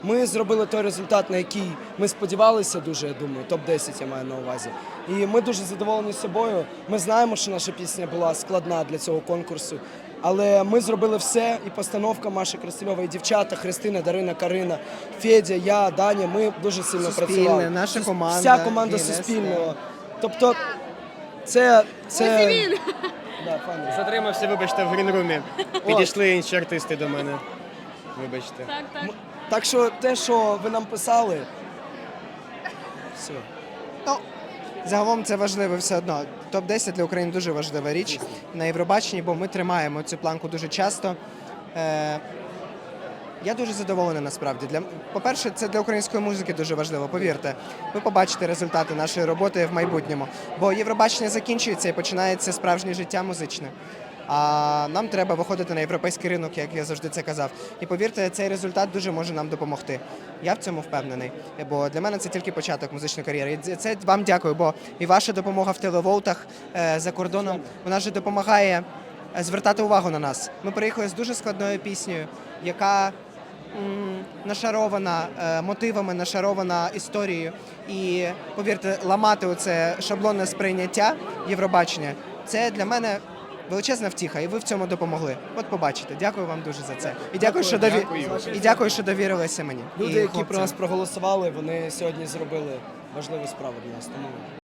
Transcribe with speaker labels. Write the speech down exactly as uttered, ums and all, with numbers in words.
Speaker 1: Ми зробили той результат, на який ми сподівалися дуже, я думаю, топ десять я маю на увазі. І ми дуже задоволені собою. Ми знаємо, що наша пісня була складна для цього конкурсу, але ми зробили все, і постановка Маші Красильової, і дівчата, Христина, Дарина, Карина, Федя, я, Даня, ми дуже сильно
Speaker 2: Суспільне,
Speaker 1: працювали.
Speaker 2: наша
Speaker 1: Сус-
Speaker 2: команда,
Speaker 1: Вся команда
Speaker 2: Гіннес,
Speaker 1: Суспільного. Тобто це... це...
Speaker 3: Ось і він.
Speaker 1: Да, пані.
Speaker 4: Затримався, вибачте, в грінрумі. Підійшли інші артисти до мене. Вибачте.
Speaker 3: Так, так.
Speaker 1: Так що те, що ви нам писали, все.
Speaker 2: Ну, загалом це важливо все одно. топ десять для України дуже важлива річ на Євробаченні, бо ми тримаємо цю планку дуже часто. Е, я дуже задоволений насправді. Для, по-перше, це для української музики дуже важливо, повірте. Ви побачите результати нашої роботи в майбутньому. Бо Євробачення закінчується і починається справжнє життя музичне. А нам треба виходити на європейський ринок, як я завжди це казав. І повірте, цей результат дуже може нам допомогти. Я в цьому впевнений, бо для мене це тільки початок музичної кар'єри. І це вам дякую, бо і ваша допомога в телеволтах е, за кордоном, вона ж допомагає е, звертати увагу на нас. Ми приїхали з дуже складною піснею, яка м, нашарована е, мотивами, нашарована історією. І, повірте, ламати оце шаблонне сприйняття Євробачення, це для мене величезна втіха, і ви в цьому допомогли. От побачите. Дякую вам дуже за це. І дякую, що дові... і дякую, що довірилися мені.
Speaker 1: Люди,
Speaker 2: І
Speaker 1: які про
Speaker 2: хлопцям.
Speaker 1: нас проголосували, вони сьогодні зробили важливу справу для нас. Тому